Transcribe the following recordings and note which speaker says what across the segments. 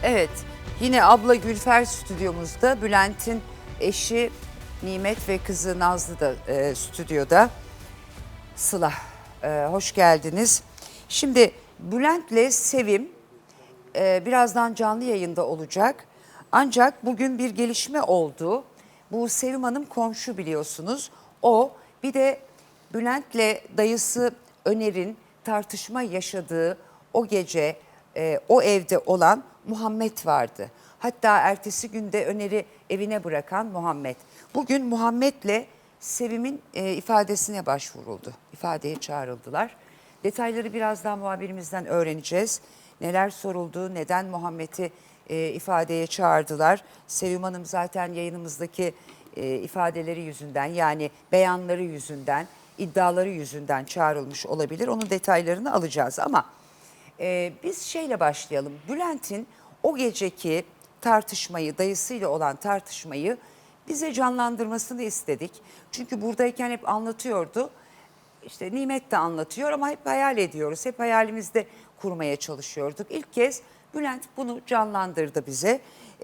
Speaker 1: Evet, yine abla Gülfer stüdyomuzda. Bülent'in eşi Nimet ve kızı Nazlı da stüdyoda. Sıla, hoş geldiniz. Şimdi Bülent'le Sevim birazdan canlı yayında olacak. Ancak bugün bir gelişme oldu. Bu Sevim Hanım komşu biliyorsunuz. O bir de Bülent'le dayısı Öner'in tartışma yaşadığı o gece o evde olan Muhammed vardı. Hatta ertesi günde Öner'i evine bırakan Muhammed. Bugün Muhammed'le Sevim'in ifadesine başvuruldu. İfadeye çağrıldılar. Detayları birazdan muhabirimizden öğreneceğiz. Neler soruldu, neden Muhammed'i ifadeye çağırdılar. Sevim Hanım zaten yayınımızdaki ifadeleri yüzünden, yani beyanları yüzünden, iddiaları yüzünden çağrılmış olabilir. Onun detaylarını alacağız ama biz şeyle başlayalım. Bülent'in o geceki tartışmayı, dayısıyla olan tartışmayı bize canlandırmasını istedik. Çünkü buradayken hep anlatıyordu. İşte Nimet de anlatıyor ama hep hayal ediyoruz. Hep hayalimizde kurmaya çalışıyorduk. İlk kez Bülent bunu canlandırdı bize.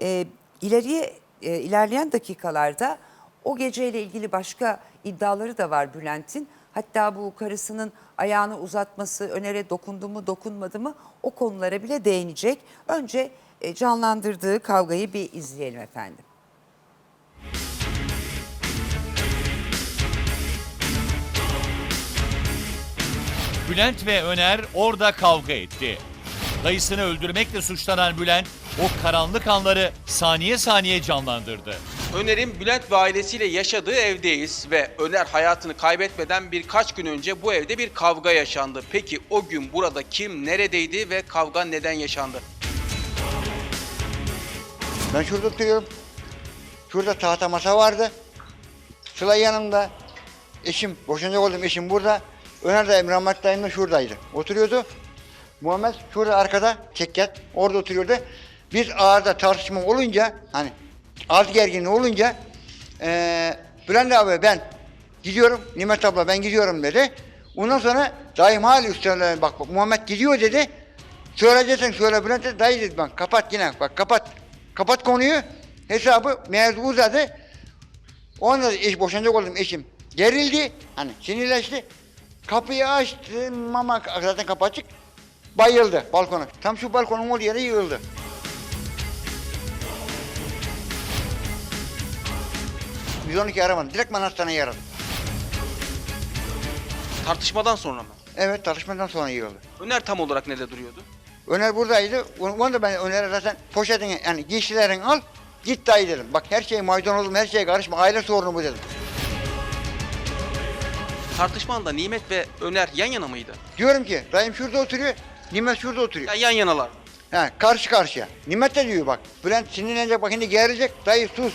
Speaker 1: İlerleyen dakikalarda o geceyle ilgili başka iddiaları da var Bülent'in. Hatta bu karısının ayağını uzatması, Öner'e dokundu mu dokunmadı mı, o konulara bile değinecek. Önce canlandırdığı kavgayı bir izleyelim efendim.
Speaker 2: Bülent ve Öner orada kavga etti. Dayısını öldürmekle suçlanan Bülent o karanlık anları saniye saniye canlandırdı.
Speaker 3: Öner'in Bülent ve ailesiyle yaşadığı evdeyiz ve Öner hayatını kaybetmeden birkaç gün önce bu evde bir kavga yaşandı. Peki o gün burada kim, neredeydi ve kavga neden yaşandı?
Speaker 4: Ben şurada oturuyorum. Şurada tahta masa vardı. Sıla yanımda. Eşim, boşanacak olduğum eşim burada. Öner de Rahmet dayım da şuradaydı. Oturuyordu. Muhammed şurada arkada, çekyat, orada oturuyordu. Biz ağırda tartışma olunca, hani az gerginliği olunca Bülent abi ben gidiyorum, Nimet abla ben gidiyorum dedi. Ondan sonra dayım hali üstüne bak Muhammed gidiyor dedi. Söyleyeceksin söyle Bülent dedi. Dayı dedi bak kapat yine bak kapat konuyu. Hesabı mevzu uzadı. Ondan da boşanacak oldum eşim. Gerildi, hani sinirleşti. Kapıyı açtım ama zaten kapı açık. Bayıldı balkona. Tam şu balkonun olduğu yere yığıldı. Biz 12 aramadım. Direkt ben hastaneye aradım.
Speaker 3: Tartışmadan sonra mı?
Speaker 4: Evet, tartışmadan sonra yığıldı.
Speaker 3: Öner tam olarak nerede duruyordu?
Speaker 4: Öner buradaydı. Onu da ben Öner'e zaten poşetini, yani giysilerini al, git dayı dedim. Bak her şey maydanozum, her şeye karışma, aile sorunu bu dedim.
Speaker 3: Tartışmanda Nimet ve Öner yan yana mıydı?
Speaker 4: Diyorum ki dayım şurada oturuyor, Nimet şurada oturuyor.
Speaker 3: Ya yan yanalar.
Speaker 4: Ha, karşı karşıya. Nimet de diyor bak, Bülent sinirlenecek, bak şimdi gelecek, dayı sus.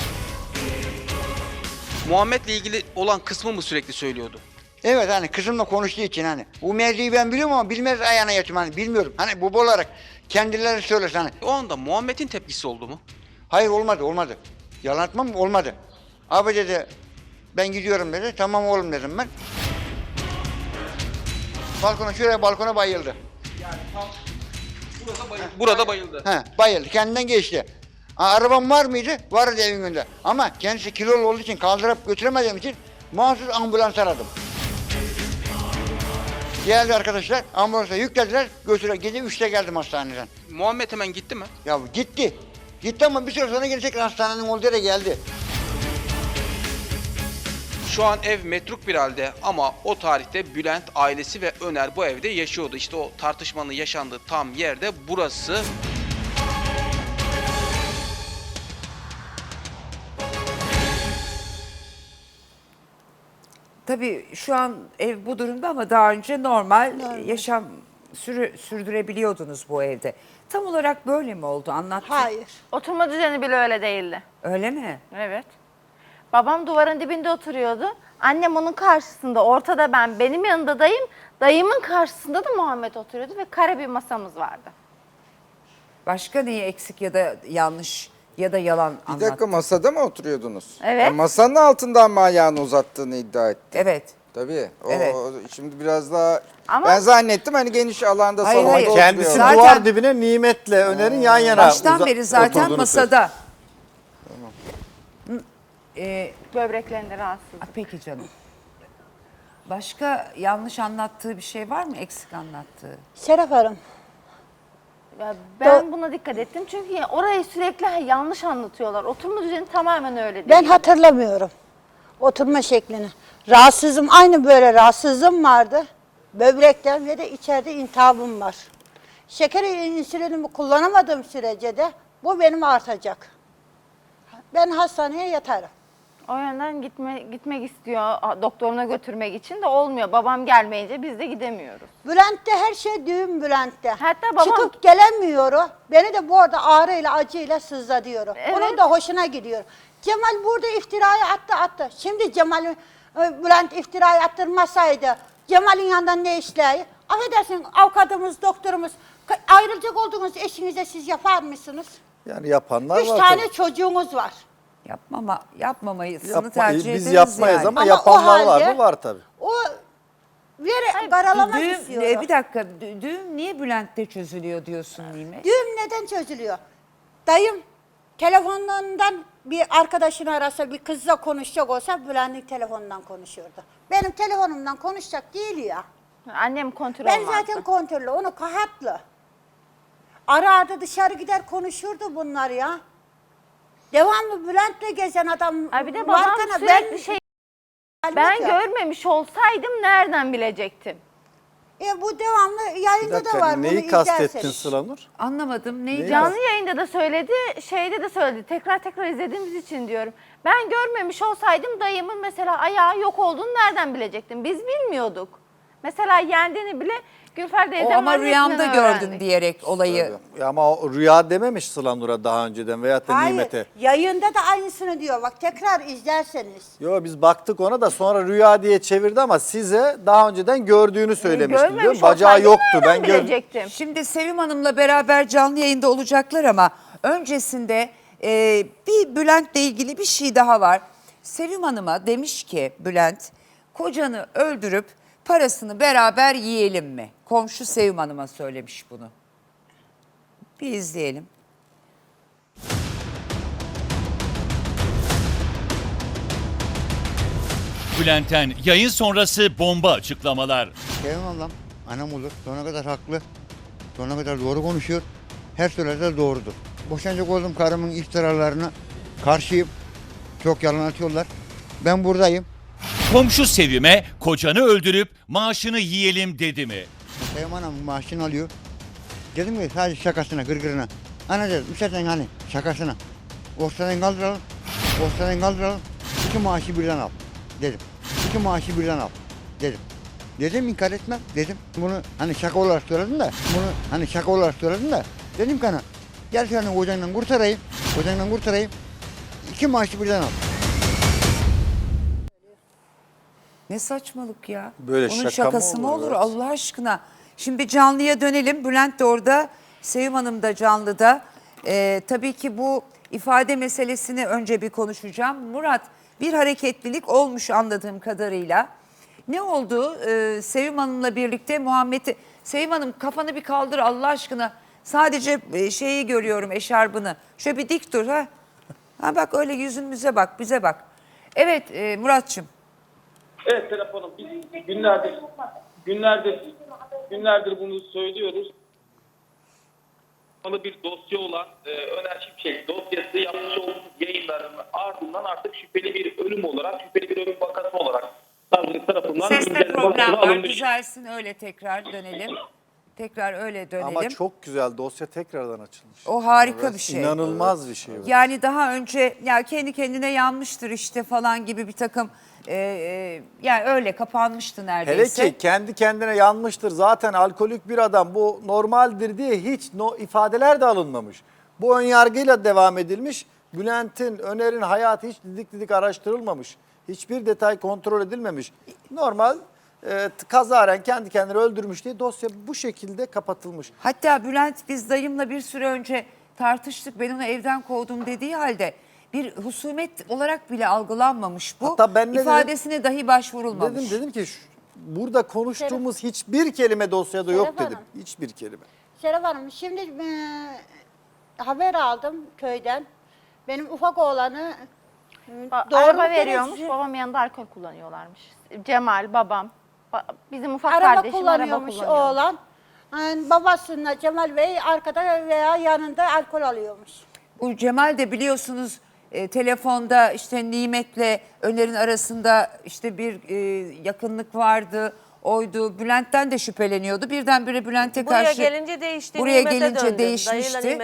Speaker 3: Muhammed'le ilgili olan kısmı mı sürekli söylüyordu?
Speaker 4: Evet, hani kızımla konuştuğu için hani. Bu mevzuyu ben biliyorum ama bilmez ayağına yatıyorum, hani bilmiyorum. Hani baba olarak kendileri söylesin hani.
Speaker 3: O anda Muhammed'in tepkisi oldu mu?
Speaker 4: Hayır, olmadı. Yalan atmam, olmadı. Abi dedi, ben gidiyorum dedi. Tamam oğlum dedim ben. Balkona bayıldı.
Speaker 3: Burada bayıldı.
Speaker 4: Bayıldı, kendinden geçti. Arabam var mıydı? Vardı evin önünde. Ama kendisi kilolu olduğu için kaldırıp götüremediğim için mahsus ambulans aradım. Geldi arkadaşlar, ambulansa yüklediler, gece 3'te geldim hastaneden.
Speaker 3: Muhammed hemen gitti mi?
Speaker 4: Ya gitti. Gitti ama bir süre sonra gelecek, hastanenin olduğu yere geldi.
Speaker 3: Şu an ev metruk bir halde ama o tarihte Bülent, ailesi ve Öner bu evde yaşıyordu. İşte o tartışmanın yaşandığı tam yerde burası.
Speaker 1: Tabii şu an ev bu durumda ama daha önce normal. Yaşam sürdürebiliyordunuz bu evde. Tam olarak böyle mi oldu? Anlattın.
Speaker 5: Hayır.
Speaker 6: Oturma düzeni bile öyle değildi.
Speaker 1: Öyle mi?
Speaker 6: Evet. Babam duvarın dibinde oturuyordu. Annem onun karşısında, ortada ben, benim yanında dayım. Dayımın karşısında da Muhammed oturuyordu ve kare bir masamız vardı.
Speaker 1: Başka neyi eksik ya da yanlış ya da yalan
Speaker 7: Bir
Speaker 1: anlattın?
Speaker 7: dakika, masada mı oturuyordunuz?
Speaker 6: Evet.
Speaker 7: Ya masanın altından mı ayağını uzattığını iddia etti?
Speaker 1: Evet.
Speaker 5: Tabii.
Speaker 1: Evet.
Speaker 5: Şimdi biraz daha
Speaker 6: Ama-
Speaker 5: ben zannettim hani geniş alanda
Speaker 1: Hayır,
Speaker 5: salonda
Speaker 1: hayır.
Speaker 5: oturuyor.
Speaker 7: Kendisi
Speaker 1: Zaten-
Speaker 7: duvar dibine Nimet'le Öner'in yan yana
Speaker 1: Baştan beri zaten
Speaker 7: oturduğunu
Speaker 1: masada.
Speaker 6: Böbreklerinde rahatsız.
Speaker 1: Peki canım. Başka yanlış anlattığı bir şey var mı? Eksik anlattığı?
Speaker 8: Şeref Hanım,
Speaker 6: Ya ben buna dikkat ettim çünkü orayı sürekli yanlış anlatıyorlar. Oturma düzeni tamamen öyle değil.
Speaker 8: ben hatırlamıyorum oturma şeklini. Rahatsızım, aynı böyle rahatsızlığım vardı. Böbrekten ve de içeride iltihabım var. Şeker insülinimi kullanamadığım sürece de bu benim artacak. Ben hastaneye yatarım.
Speaker 6: O yönden gitmek istiyor doktoruna götürmek için de olmuyor. Babam gelmeyince biz de gidemiyoruz.
Speaker 8: Bülent'te her şey düğün Bülent'te.
Speaker 6: Hatta babam-
Speaker 8: Çıkıp gelemiyor o. Beni de bu arada ağrıyla acıyla sızla diyor.
Speaker 6: Evet.
Speaker 8: Onun da hoşuna gidiyor. Cemal burada iftirayı attı. Şimdi Cemal Bülent iftirayı attırmasaydı Cemal'in yanından ne işleyi? Affedersin avukatımız, doktorumuz ayrılacak olduğunuz eşinize siz yapar mısınız?
Speaker 7: Yani yapanlar
Speaker 8: 3
Speaker 7: var.
Speaker 8: tane
Speaker 7: tabii.
Speaker 8: çocuğunuz var.
Speaker 1: Yapmamayısını tercih ederiz
Speaker 7: Biz yapmayız
Speaker 1: yani.
Speaker 7: ama,
Speaker 8: Ama
Speaker 7: yapanlar
Speaker 8: o
Speaker 7: var
Speaker 8: halde-
Speaker 7: mı? Var tabii.
Speaker 8: O karalamak
Speaker 1: Düğüm,
Speaker 8: istiyor.
Speaker 1: bir dakika, düğüm niye Bülent'te çözülüyor diyorsun Nimet?
Speaker 8: Düğüm neden çözülüyor? Dayım telefonundan bir arkadaşını arasa, bir kızla konuşacak olsa Bülent'in telefonundan konuşuyordu. Benim telefonumdan konuşacak değil ya.
Speaker 6: Annem kontrol
Speaker 8: Ben
Speaker 6: olmazdı.
Speaker 8: zaten kontrollü, onu kahatlı. Ara dışarı gider konuşurdu bunlar ya. Devamlı Bülent'le gezen adam.
Speaker 6: Ay bir de babam
Speaker 8: varken
Speaker 6: sürekli şey... Ben
Speaker 8: halbuki-
Speaker 6: görmemiş olsaydım nereden bilecektim?
Speaker 8: Bu devamlı
Speaker 7: Bir
Speaker 8: yayında da
Speaker 7: dakika,
Speaker 8: var.
Speaker 7: neyi
Speaker 8: bunu
Speaker 7: kastettin
Speaker 8: izlerseniz.
Speaker 7: Sılanur?
Speaker 1: Anlamadım. Neydi?
Speaker 6: Canlı yayında da söyledi, şeyde de söyledi. Tekrar izlediğimiz için diyorum. Ben görmemiş olsaydım dayımın mesela ayağı yok olduğunu nereden bilecektim? Biz bilmiyorduk. Mesela yendiğini bile Gülfer
Speaker 1: O
Speaker 6: teyzemin
Speaker 1: ama rüyamda
Speaker 6: annesinden
Speaker 1: gördüm
Speaker 6: öğrendik.
Speaker 1: diyerek olayı.
Speaker 7: Ya ama o rüya dememiş Sılanur'a daha önceden veyahut da
Speaker 8: Hayır,
Speaker 7: Nimet'e.
Speaker 8: yayında da aynısını diyor. Bak tekrar izlerseniz.
Speaker 7: Yo biz baktık ona da sonra rüya diye çevirdi ama size daha önceden gördüğünü söylemişti.
Speaker 6: Görmemiş
Speaker 7: Diyorum. Bacağı
Speaker 6: olsaydım
Speaker 7: yoktu. Ben
Speaker 6: nereden
Speaker 7: gördüm.
Speaker 6: bilecektim?
Speaker 1: Şimdi Sevim Hanım'la beraber canlı yayında olacaklar ama öncesinde bir Bülent'le ilgili bir şey daha var. Sevim Hanım'a demiş ki Bülent, kocanı öldürüp parasını beraber yiyelim mi? Komşu Sevim Hanım'a söylemiş bunu. Bir izleyelim.
Speaker 2: Bülent'ten yayın sonrası bomba açıklamalar.
Speaker 4: Sevim ablam anam olur. Sonuna kadar haklı. Sonuna kadar doğru konuşuyor. Her söylediği doğrudur. Boşanacak olduğum karımın iftiralarına karşıyım. Çok yalan atıyorlar. Ben buradayım.
Speaker 2: Komşu Sevim'e kocanı öldürüp maaşını yiyelim dedi mi?
Speaker 4: Sevim anam maaşını alıyor. Dedim ki sadece şakasına, gırgırına. Ana dedim, müsaaden hani şakasına. Ortadan kaldıralım. Ortadan kaldıralım. 2 maaşı birden al. Dedim. 2 maaşı birden al. Dedim. Dedim inkar etmem. Dedim. Bunu hani şaka olarak söyledim de. Bunu hani şaka olarak söyledim de. Dedim ki ana. Gel seni kocandan kurtarayım. Kocandan kurtarayım. 2 maaşı birden al.
Speaker 1: Ne saçmalık ya.
Speaker 7: Böyle
Speaker 1: Onun
Speaker 7: şaka mı
Speaker 1: şakası mı
Speaker 7: olur,
Speaker 1: olur
Speaker 7: evet.
Speaker 1: Allah aşkına. Şimdi canlıya dönelim. Bülent de orada, Sevim Hanım da canlıda. Tabii ki bu ifade meselesini önce bir konuşacağım. Murat, bir hareketlilik olmuş anladığım kadarıyla. Ne oldu? Sevim Hanım'la birlikte Muhammed'i... Sevim Hanım kafanı bir kaldır Allah aşkına. Sadece şeyi görüyorum, eşarbını. Şöyle bir dik dur ha. Ha bak öyle yüzümüze bak, bize bak. Evet Muratçım.
Speaker 9: Evet Serap Hanım, biz günlerdir bunu söylüyoruz. Bir dosya olan Öner Şimşek dosyası yapmış olduğumuz yayınların ardından artık şüpheli bir ölüm olarak, şüpheli bir ölüm vakası olarak savcılık tarafından
Speaker 1: Seste
Speaker 9: güncel
Speaker 1: problem
Speaker 9: bakıma
Speaker 1: var.
Speaker 9: alınmış.
Speaker 1: Düzelsin öyle tekrar dönelim. Tekrar öyle dönelim.
Speaker 7: Ama çok güzel dosya tekrardan açılmış.
Speaker 1: O harika bir şey.
Speaker 7: İnanılmaz bir şey.
Speaker 1: Yani daha önce ya kendi kendine yanmıştır işte falan gibi bir takım yani öyle kapanmıştı
Speaker 7: Hele
Speaker 1: neredeyse.
Speaker 7: ki kendi kendine yanmıştır zaten alkolik bir adam bu normaldir diye hiç ifadeler de alınmamış. Bu ön yargıyla devam edilmiş. Bülent'in, Öner'in hayatı hiç didik didik araştırılmamış. Hiçbir detay kontrol edilmemiş. Normal kazaren kendi kendini öldürmüş diye dosya bu şekilde kapatılmış.
Speaker 1: Hatta Bülent biz dayımla bir süre önce tartıştık. Ben onu evden kovdum dediği halde bir husumet olarak bile algılanmamış bu.
Speaker 7: Hatta ben ne
Speaker 1: İfadesine dahi başvurulmamış.
Speaker 7: Dedim ki burada konuştuğumuz hiçbir kelime dosyada yok
Speaker 8: Serap
Speaker 7: dedim.
Speaker 8: Hanım.
Speaker 7: Hiçbir kelime.
Speaker 8: Serap Hanım, şimdi haber aldım köyden. Benim ufak oğlanı
Speaker 6: Araba
Speaker 8: mu
Speaker 6: veriyormuş,
Speaker 8: söylüyorsun?
Speaker 6: babam yanında alkol kullanıyorlarmış. Cemal, babam, bizim ufak
Speaker 8: Araba
Speaker 6: kardeşim araba
Speaker 8: kullanıyormuş
Speaker 6: kullanıyor.
Speaker 8: oğlan. Yani babasıyla Cemal Bey arkada veya yanında alkol alıyormuş.
Speaker 1: Bu Cemal de biliyorsunuz telefonda işte Nimet'le Öner'in arasında işte bir yakınlık vardı. Oydu. Bülent'ten de şüpheleniyordu. Birdenbire Bülent'e
Speaker 10: Buraya
Speaker 1: karşı
Speaker 10: gelince değişti.
Speaker 1: buraya
Speaker 10: Nimet'e
Speaker 1: gelince
Speaker 10: döndü.
Speaker 1: değişmişti.
Speaker 10: Dayıyla